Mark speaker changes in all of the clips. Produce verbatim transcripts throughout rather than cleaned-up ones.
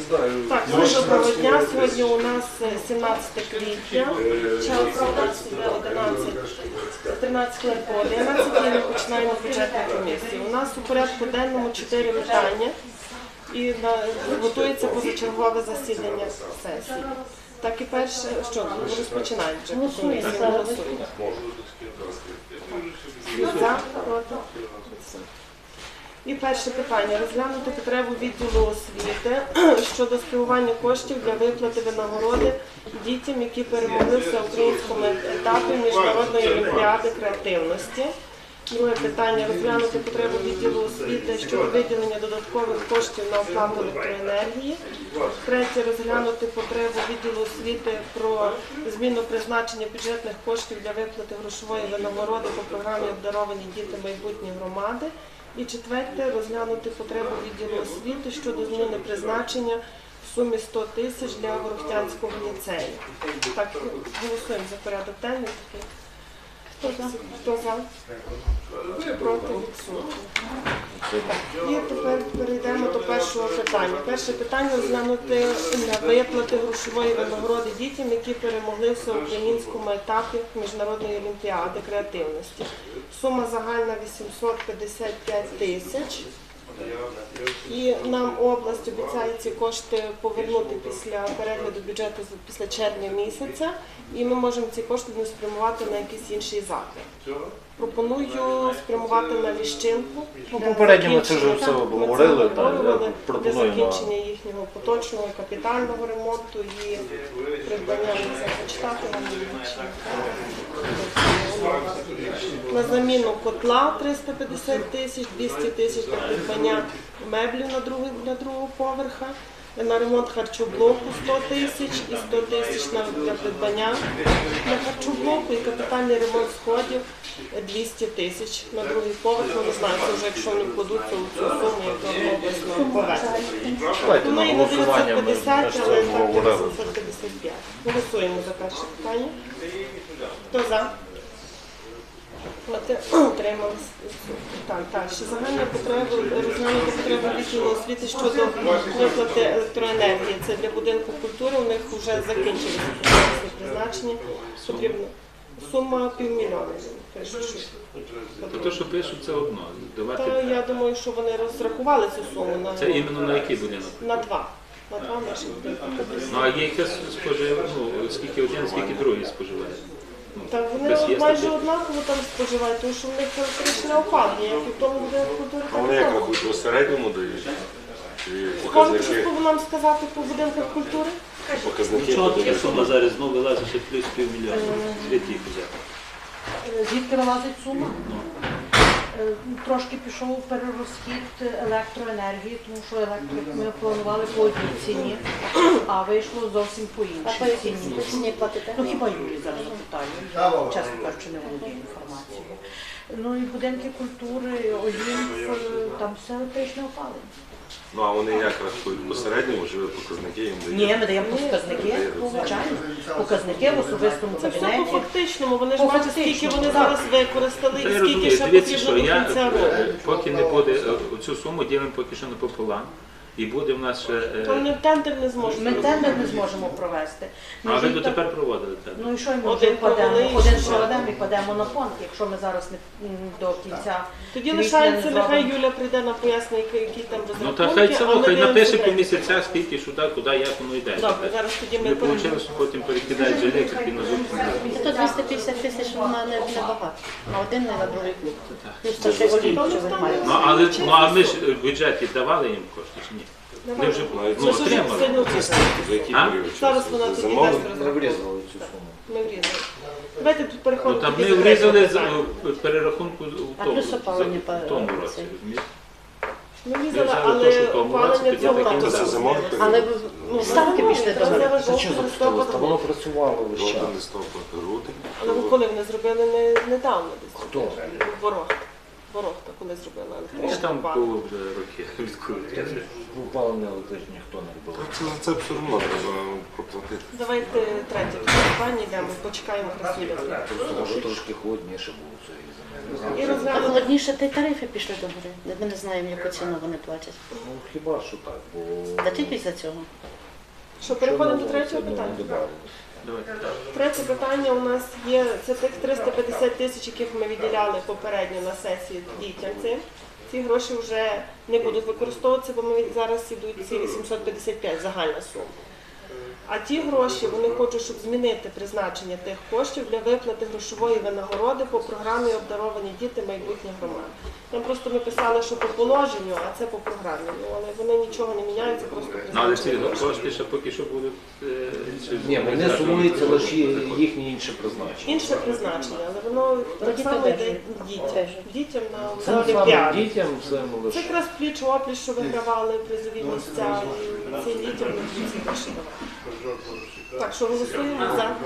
Speaker 1: Так, дуже доброго дня. Сьогодні у нас сімнадцяте квітня, час тринадцять хвилин по одинадцять, і ми починаємо бюджетну комісію. У нас у порядку денному чотири питання і готується позачергове засідання сесії. Так і перше, що, розпочинаємо вже комісію, голосуємо. За, проти? І перше питання. Розглянути потребу відділу освіти щодо спрямування коштів для виплати винагороди дітям, які перемогли в всеукраїнському етапі Міжнародної олімпіади креативності. Друге питання. Розглянути потребу відділу освіти щодо виділення додаткових коштів на оплату електроенергії. Третє. Розглянути потребу відділу освіти про зміну призначення бюджетних коштів для виплати грошової винагороди по програмі «Обдаровані діти майбутні громади». І четверте, розглянути потребу відділу освіти щодо зміни призначення в сумі сто тисяч для Ворохтянського ліцею. Так, голосуємо за порядок денний. Хто за? Хто за? Проти? Відсутні. І тепер перейдемо до першого питання. Перше питання – розглянути на виплати грошової винагороди дітям, які перемогли в всеукраїнському етапі Міжнародної олімпіади креативності. Сума загальна вісімсот п'ятдесят п'ять тисяч. І нам область обіцяє ці кошти повернути після перегляду бюджету після червня місяця, і ми можемо ці кошти не спрямувати на якийсь інший заклад. Пропоную спрямувати на Ліщинку.
Speaker 2: Ну, попередньо це вже все обговорили,
Speaker 1: для закінчення їхнього поточного капітального ремонту і придбання зачитати нам на заміну котла триста п'ятдесят тисяч, двісті тисяч на придбання меблів на другого, на другого поверха, на ремонт харчоблоку сто тисяч і сто тисяч для придбання на харчоблоку і капітальний ремонт сходів двісті тисяч на другий поверх. Ну, не знаю, це вже якщо вони вкладуться у цю суму, яка обласно поверхня.
Speaker 2: Давайте на голосування ми
Speaker 1: п'ятдесят, але так вісімсот п'ятдесят п'ять. Голосуємо за перше питання. Хто за? Утрималися. Так, так. Ще загальна потреба, розглянути потребу відділу освіти щодо виплати електроенергії. Це для будинку культури, у них вже закінчилися призначення. Потрібно. Сума півмільйона.
Speaker 3: Те, що пишуть, це одно. Давати...
Speaker 1: Та, я думаю, що вони розрахували цю суму. На...
Speaker 3: Це іменно на який будинок?
Speaker 1: На два. На два наші будинки.
Speaker 3: Ну, а є якесь споживання, ну, скільки один, скільки другий споживає?
Speaker 1: Так, вони майже однаково там споживають, тому що в них електричне опалення, як і в тому будинку культури.
Speaker 4: А вони як рахують, у середньому дають?
Speaker 1: Можете щось нам сказати по будинках культури?
Speaker 4: Показники
Speaker 3: Чого
Speaker 4: подають?
Speaker 3: така сума зараз знову вилазить ще плюс півмільйона? Звідки їх взяти?
Speaker 5: Звідки вилазить сума? Трошки пішов перерозхід електроенергії, тому що електрик ми планували по одній ціні, а вийшло зовсім по іншій ціні.
Speaker 6: ціні платите?
Speaker 5: Ну хіба Юрій зараз запитаю, чесно кажучи, не володію інформацією. Ну і будинки культури, Олімп, там все електричне опалення.
Speaker 4: Ну, а вони як рахують? По середньому живі показники їм дають?
Speaker 5: Ні, ми даємо показники, звичайно. Показники в особистому
Speaker 1: Це все
Speaker 5: кабінеті.
Speaker 1: по фактичному, вони ж
Speaker 5: По
Speaker 1: бачать, скільки
Speaker 5: фактичному,
Speaker 1: вони
Speaker 5: так.
Speaker 1: зараз використали
Speaker 3: Та
Speaker 1: і
Speaker 3: я
Speaker 1: скільки
Speaker 3: розумію,
Speaker 1: ще
Speaker 3: дивіться,
Speaker 1: потрібно
Speaker 3: що
Speaker 1: до
Speaker 3: я,
Speaker 1: кінця року.
Speaker 3: поки не буде, цю суму ділимо поки що напополам, і буде в нас ще...
Speaker 1: То ми в тендер не зможемо.
Speaker 5: Ми тендер не зможемо провести.
Speaker 3: А ви дотепер проводили тендер?
Speaker 5: Ну і що ми
Speaker 1: Один
Speaker 5: вже кладемо?
Speaker 1: провели, і
Speaker 5: Один
Speaker 1: ще.
Speaker 5: проведемо і кладемо на фонд, якщо ми зараз не м, до кінця.
Speaker 1: Тоді
Speaker 5: квітня
Speaker 1: лишається,
Speaker 5: не
Speaker 1: нехай
Speaker 5: зробимо.
Speaker 1: Юля прийде на пояснення, які там
Speaker 3: Ну
Speaker 1: розрахунки.
Speaker 3: та хай це,
Speaker 1: а ми
Speaker 3: хай
Speaker 1: дивимося
Speaker 3: напише по
Speaker 1: далі.
Speaker 3: місяцях, скільки, сюди, куди, як воно йде.
Speaker 1: Добре, зараз тоді ми
Speaker 3: Не
Speaker 1: перейдемо.
Speaker 3: вийшло, що потім перекидають же електрики на зупинку.
Speaker 6: То двісті п'ятдесят тисяч вона не, не багато, на один, не на другий клуб. Плюс то ще
Speaker 5: Олімп,
Speaker 6: олімп.
Speaker 5: що ви маєте.
Speaker 3: Ну, але, ну, а ми ж в бюджеті давали їм кошти чи ні? Вони вже ну,
Speaker 1: Це ж
Speaker 3: отримали.
Speaker 1: сьогодні чисто.
Speaker 4: За який
Speaker 3: А?
Speaker 4: період
Speaker 1: Зараз
Speaker 4: часу?
Speaker 1: вона
Speaker 4: За
Speaker 1: тоді
Speaker 4: зимовий?
Speaker 1: дасть
Speaker 2: не
Speaker 1: розрахунок.
Speaker 2: врізали цю суму.
Speaker 1: Ми врізали. Давайте тут
Speaker 3: Ну,
Speaker 1: переходимо.
Speaker 3: там
Speaker 1: тоді
Speaker 3: ми
Speaker 1: до
Speaker 3: врізали
Speaker 1: третього
Speaker 3: з
Speaker 1: питання.
Speaker 3: перерахунку в
Speaker 6: А
Speaker 3: тому,
Speaker 6: плюс опалення
Speaker 3: в тому
Speaker 6: по-
Speaker 3: році,
Speaker 6: цей.
Speaker 3: розумієте?
Speaker 1: Ми
Speaker 3: Ми
Speaker 1: врізали,
Speaker 3: взяли те, що
Speaker 1: але
Speaker 3: в тому році,
Speaker 1: опалення
Speaker 3: тоді
Speaker 1: цього
Speaker 3: так і
Speaker 1: року.
Speaker 4: То це зимовий період?
Speaker 6: Але ви-
Speaker 1: Ну,
Speaker 6: ставки пішли до
Speaker 1: зараз
Speaker 6: гори.
Speaker 2: Це
Speaker 1: жовтий,
Speaker 2: що за
Speaker 1: листопад,
Speaker 2: Та воно працювало весь час.
Speaker 4: Жовтий, листопад, грудень.
Speaker 1: Але ви коли вони зробили не, недавно десь?
Speaker 2: Хто?
Speaker 1: Ворог. Ворогта, коли зробила
Speaker 3: Ну,
Speaker 1: електричне
Speaker 3: там
Speaker 1: опалення.
Speaker 3: було вже роки відкрити.
Speaker 2: Опалення електричне ніхто не робив.
Speaker 4: Це, це все одно треба проплатити.
Speaker 1: Давайте третє питання йдемо, почекаємо Красилівки.
Speaker 2: Може трошки холодніше було цієї зими.
Speaker 1: І
Speaker 6: А
Speaker 1: розглянути
Speaker 6: холодніше, та й тарифи пішли до гори. Ми не знаємо, яку ціну вони платять.
Speaker 2: Ну хіба що так, бо...
Speaker 6: Та тільки за цього.
Speaker 1: що переходимо до
Speaker 2: Що
Speaker 1: третього
Speaker 2: нового
Speaker 1: питання.
Speaker 2: не добавили?
Speaker 3: Давайте.
Speaker 1: Третє питання у нас є, це тих триста п'ятдесят тисяч, яких ми виділяли попередньо на сесії дітям цим. Ці гроші вже не будуть використовуватися, бо ми зараз ідуть ці вісімсот п'ятдесят п'ять загальна сума. А ті гроші вони хочуть, щоб змінити призначення тих коштів для виплати грошової винагороди по програмі «Обдаровані діти майбутніх громад». Там просто ми писали, що по положенню, а це по програмі. Ну, але вони нічого не міняють, це просто
Speaker 3: Ну, але ці
Speaker 1: призначення.
Speaker 3: кошти ще поки що будуть... е, чи-
Speaker 2: Ні, вони сумуються лише їхнє інше призначення.
Speaker 1: Інше призначення, але воно так
Speaker 6: Тоді
Speaker 1: само
Speaker 6: теж.
Speaker 1: йде дітям.
Speaker 6: Теж.
Speaker 1: Дітям на,
Speaker 2: Це
Speaker 1: на
Speaker 2: саме
Speaker 1: Олімпіаду.
Speaker 2: дітям, це
Speaker 1: Це
Speaker 2: лише...
Speaker 1: якраз пліч-опліч, що вигравали призові місця, і цим дітям не ці гроші давати. Так, що голосуємо за?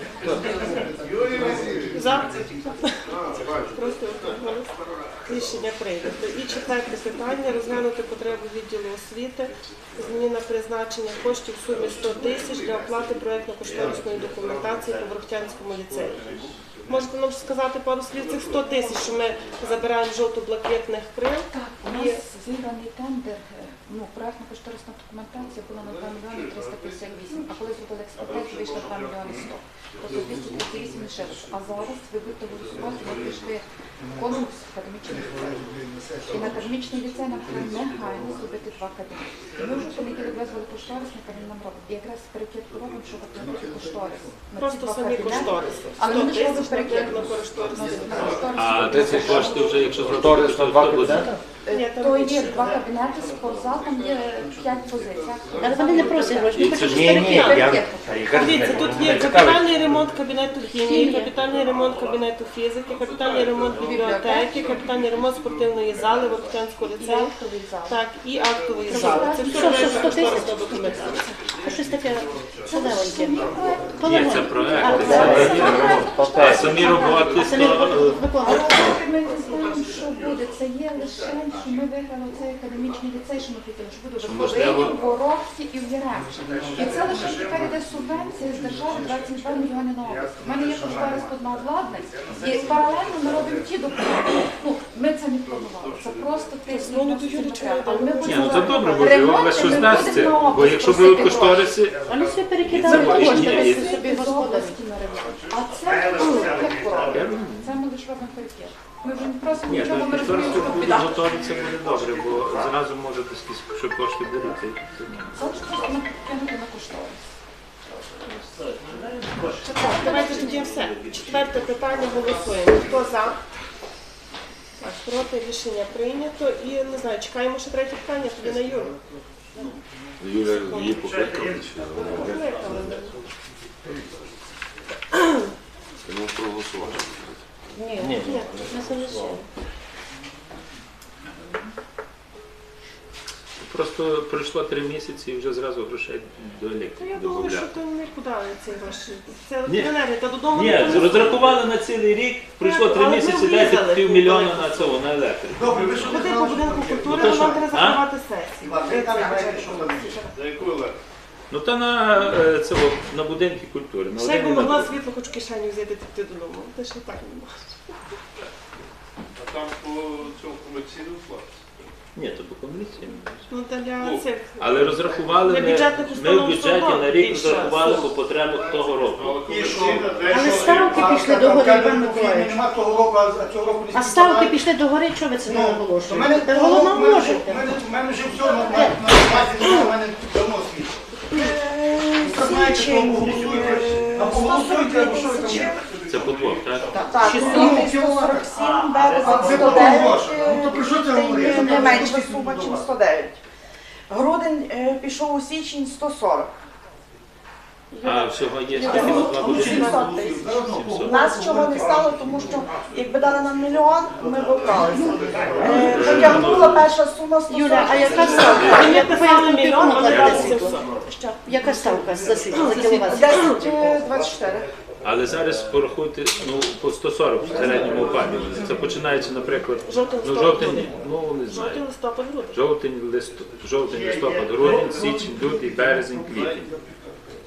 Speaker 1: За? Просто голос. Рішення прийнято. І четверте питання. Розглянути потребу відділу освіти. Зміна призначення коштів в сумі сто тисяч для оплати проєктно-кошторисної документації по Ворохтянському ліцеї. Можете нам сказати пару слів цих сто тисяч, що ми забираємо жовто-блакитних крил?
Speaker 7: Так, у
Speaker 1: І-
Speaker 7: нас зіграний тендер, е, ну, проектно-кошторисна документація була на два мільйони триста п'ятдесят вісім, а коли зробили експертизу, вийшло два мільйони сто. Тобто двісті тридцять вісім лише. А зараз ви будете голосувати, ми прийшли в конкурс в академічний ліцей. І на академічний ліцей нам треба негайно зробити два кабінети. І ми вже в понеділок визвали кошторисника, він нам робить. І якраз перекидку робимо, щоб оплатити кошторис. на ці
Speaker 1: Просто
Speaker 7: два
Speaker 1: самі
Speaker 7: кабінети.
Speaker 1: кошториси.
Speaker 7: Але
Speaker 1: сто
Speaker 7: ми ж робимо
Speaker 1: тисяч на
Speaker 7: перекидку.
Speaker 1: проєктно-кошторисні.
Speaker 3: А де ці кошти вже, якщо
Speaker 2: Кошторис на два
Speaker 3: буде?
Speaker 2: кабінети?
Speaker 1: Ні, там
Speaker 7: То
Speaker 1: більше.
Speaker 7: є два кабінети з поза, там є п'ять позицій.
Speaker 6: Але вони не просять гроші, вони хочуть
Speaker 2: Ні, ні,
Speaker 6: перекидку.
Speaker 2: я...
Speaker 1: Дивіться, тут є капітальний ремонт кабінету хімії, капітальний ремонт кабінету фізики, капітальний ремонт бібліотеки, капітальний ремонт спортивної зали Ворохтянського ліцею,
Speaker 7: Актовий зал.
Speaker 1: так, і актової зали. Це все
Speaker 6: Що, що,
Speaker 1: проєктна
Speaker 6: сто тисяч?
Speaker 1: кошторисна документація.
Speaker 6: А щось таке солевеньке.
Speaker 3: Ні, це проект.
Speaker 6: А,
Speaker 3: Це
Speaker 6: це-
Speaker 3: А самі роботи,
Speaker 6: А самі
Speaker 3: то...
Speaker 6: виконують.
Speaker 7: Але ми не знаємо, що буде. Це є лише, що ми виграли цей академічний ліцей, що ми хотіли, що буде в
Speaker 3: можливо-
Speaker 7: Буковині, в Ворохті і в Яремчі. І це лише тепер йде субвенція з держави двадцять два мільйони на область. У мене є кошторис тут на обладнання, і паралельно ми робимо ті документи. Ну, ми це не планували, це просто тиск.
Speaker 1: Ну, ну, то Юрій, чому
Speaker 7: Але ми
Speaker 3: Ні, ну це
Speaker 7: будемо
Speaker 3: добре, бо
Speaker 7: ремонти,
Speaker 3: ви що
Speaker 7: ми
Speaker 3: здасться.
Speaker 7: будемо на
Speaker 3: Бо
Speaker 7: область
Speaker 3: якщо
Speaker 7: просити
Speaker 3: будуть
Speaker 7: гроші.
Speaker 3: кошториси,
Speaker 6: Вони собі
Speaker 3: І
Speaker 6: перекидали
Speaker 3: це
Speaker 6: кошти,
Speaker 3: ні, і-
Speaker 6: ви собі
Speaker 7: З
Speaker 6: господарі.
Speaker 7: області на ремонт. А це ми лише перекидку робимо. Це ми лише робимо перекидку. Ми вже не просимо
Speaker 3: ні,
Speaker 7: нічого,
Speaker 3: то
Speaker 7: ми розуміємо,
Speaker 3: кошторис
Speaker 7: що
Speaker 3: буде
Speaker 7: піде.
Speaker 3: готові, це буде добре, бо зразу може десь, що кошти будуть. і-
Speaker 7: Це лише просто накинути на кошторис.
Speaker 1: Так, давайте тоді все. Четверте питання голосуємо. Хто за? Так, проти рішення прийнято. І не знаю, чекаємо ще третє питання, тоді на Юру.
Speaker 4: Юля її покликала, чи вона вже? Тому проголосувати.
Speaker 6: Ні,
Speaker 2: Ні, ні.
Speaker 6: не залишили.
Speaker 3: Просто пройшло три місяці і вже зразу грошей до
Speaker 1: Та я
Speaker 3: електрики
Speaker 1: думаю, що
Speaker 3: додавляти.
Speaker 1: то нікуди ці гроші. Це
Speaker 3: Ні.
Speaker 1: електроенергія, та додому
Speaker 3: Ні,
Speaker 1: ніхто не
Speaker 3: розрахували на цілий рік, пройшло три
Speaker 1: Але ми
Speaker 3: місяці,
Speaker 1: врізали
Speaker 3: дайте півмільйона
Speaker 1: купили.
Speaker 3: на цього, на електрику.
Speaker 8: Добре, ви що не
Speaker 1: Ходи по
Speaker 8: знали,
Speaker 1: будинку
Speaker 8: що
Speaker 1: культури,
Speaker 3: Ну, то
Speaker 1: але нам
Speaker 3: що?
Speaker 1: треба
Speaker 3: А?
Speaker 1: закривати сесію.
Speaker 8: Іван,
Speaker 1: Де
Speaker 8: ви там
Speaker 1: цей
Speaker 8: знаєте,
Speaker 1: бюджет?
Speaker 8: що там за яку електрику?
Speaker 3: Ну та на е, цього, на будинки культури. На
Speaker 1: Ще
Speaker 3: один
Speaker 1: би
Speaker 3: і на
Speaker 1: могла
Speaker 3: другий.
Speaker 1: світло хоч в кишеню взяти ти додому. Ти ж і так не можеш.
Speaker 8: А там по цьому комерційному платі.
Speaker 3: Ні, то по комісії.
Speaker 1: Ну, та для
Speaker 8: Ну,
Speaker 1: цих.
Speaker 3: Але розрахували
Speaker 1: Для
Speaker 3: ми,
Speaker 1: бюджетних
Speaker 3: ми в
Speaker 1: установ
Speaker 3: бюджеті
Speaker 1: все
Speaker 3: на рік
Speaker 1: більше.
Speaker 3: розрахували по потребах того року.
Speaker 8: І що?
Speaker 6: Але ставки пішли до гори, Іван Миколаївич.
Speaker 8: Нема того року, а цього року не
Speaker 6: А ставки пішли до гори, чого ви це не
Speaker 8: У мене
Speaker 6: наголошуєте? Та
Speaker 8: того
Speaker 6: головно
Speaker 8: року, в мене-
Speaker 6: можете.
Speaker 8: в мене- в мене вже все на на- на базі, у мене давно світло. Ви знаєте, що голосуєте, а поголосуйте, або що ви там є?
Speaker 3: Це по двох, так?
Speaker 5: Так,
Speaker 8: Ну,
Speaker 5: сумі сто сорок сім, березень
Speaker 8: А ви
Speaker 5: сто
Speaker 8: потім
Speaker 5: дев'ять,
Speaker 8: гроші. Ну, то про що це говорити?
Speaker 5: не менша сума, ніж сто дев'ять. Грудень е, пішов у січень сто сорок.
Speaker 3: А всього є
Speaker 5: Юля,
Speaker 3: скільки?
Speaker 5: ну,
Speaker 3: Два
Speaker 5: ну,
Speaker 3: будинки?
Speaker 5: сімсот тисяч. У
Speaker 3: сімсот.
Speaker 5: нас чого не стало, тому що якби дали нам мільйон, ми б вкралися. Е, Потягнула перша сума сто сорок.
Speaker 6: Юля, а яка ставка?
Speaker 1: Ми
Speaker 6: Я
Speaker 1: писали мільйон, а ми дали
Speaker 6: кладете
Speaker 1: сімсот.
Speaker 6: світло? Яка ставка за світло, за кіловат?
Speaker 5: десять е, двадцять чотири.
Speaker 3: Але зараз порахуйте, ну, по сто сорок в середньому опалювали. Це починається, наприклад,
Speaker 1: Жовтень,
Speaker 3: ну,
Speaker 1: листопад,
Speaker 3: жовтень,
Speaker 1: грудень.
Speaker 3: ну, не
Speaker 1: Жовтий
Speaker 3: знаю.
Speaker 1: листопад, грудень.
Speaker 3: Жовтень, лист... жовтень, листопад, грудень, січень, лютий, березень, квітень.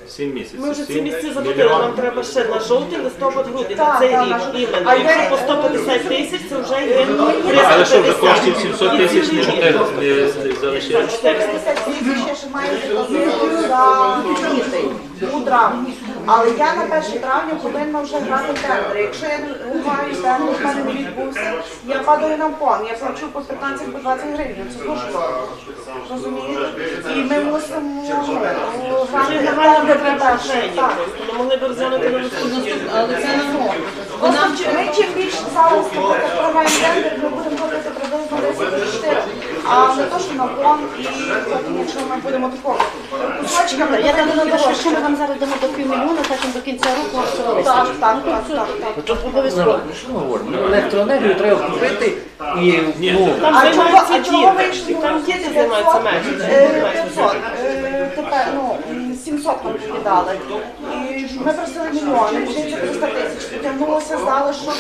Speaker 3: Сім місяців.
Speaker 1: Ми вже ці
Speaker 3: Сім
Speaker 1: місці заплатили,
Speaker 3: мільйон.
Speaker 1: нам треба ще на жовтий, листопад, грудень, на
Speaker 5: Так,
Speaker 1: цей
Speaker 5: так,
Speaker 1: рік
Speaker 5: на-
Speaker 1: іменно.
Speaker 5: А
Speaker 1: Якщо
Speaker 5: я-
Speaker 1: по сто п'ятдесят тисяч, це вже є
Speaker 3: Але що вже
Speaker 1: триста п'ятдесят.
Speaker 3: коштів сімсот тисяч не, не, не залишилось?
Speaker 5: чотириста тисяч ще має заказати за дітей у травні. Але я на перше травня повинна вже грати тендер. Якщо я не граю тендер, в мене не відбувся, я падаю на фон. Я плачу по п'ятнадцять по двадцять гривень. Це дуже дорого. Розумієте? І ми мусимо ну, грати
Speaker 1: Вже нагальна
Speaker 5: тендер
Speaker 1: потреба
Speaker 5: перше.
Speaker 1: грошей.
Speaker 5: Так.
Speaker 1: Ми могли б розглянути на наступний.
Speaker 6: Але це на год.
Speaker 5: Просто чи- ми чим більше зараз наприклад, програємо тендер, ми будемо платити приблизно десять тисяч чотири, а не то, що на фон, і потім, якщо ми будемо такого кусочками,
Speaker 6: Я так
Speaker 5: то
Speaker 6: думаю, що якщо ми
Speaker 5: дорожче.
Speaker 6: вам зараз дамо до півмільйона, потім до кінця року вам все вистачить.
Speaker 5: Так, так, так, так, так.
Speaker 6: Тут обов'язково.
Speaker 2: Що ми говоримо? Ну, електроенергію треба купити і ну,
Speaker 1: Там
Speaker 5: А чого,
Speaker 1: займаються
Speaker 5: а чого
Speaker 1: діти.
Speaker 5: вийшли?
Speaker 1: Там діти займаються менше.
Speaker 5: п'ятсот. Е, Тепер, ну, сімсот нам віддали. І ми просили мільйони, вже це триста тисяч. Потягнулося, здали, щоб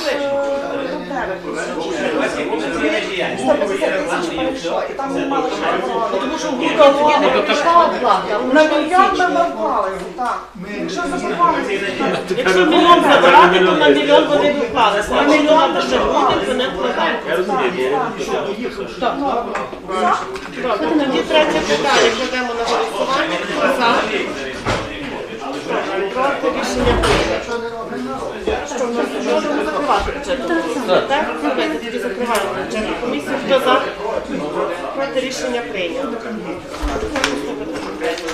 Speaker 5: сто п'ятдесят тисяч перейшло. І там ми мали ще оборону. Тому що
Speaker 6: Не пішла оплата.
Speaker 5: на мільйон ми вклалися, так. Якщо заборгувалися,
Speaker 1: Якщо мільйон забирати, то на мільйон вони вклалися. А мільйон ще буде, то не вкладаємо.
Speaker 3: Я розумію, бо
Speaker 1: Добре, тоді третє питання кладемо на голосування. Хто за? Проти рішення прийнято. Що в нас можемо закривати бюджетну комісію? Так? Давайте тоді закриваємо бюджетну комісію. Хто за? Проти рішення прийнято. Наступне питання.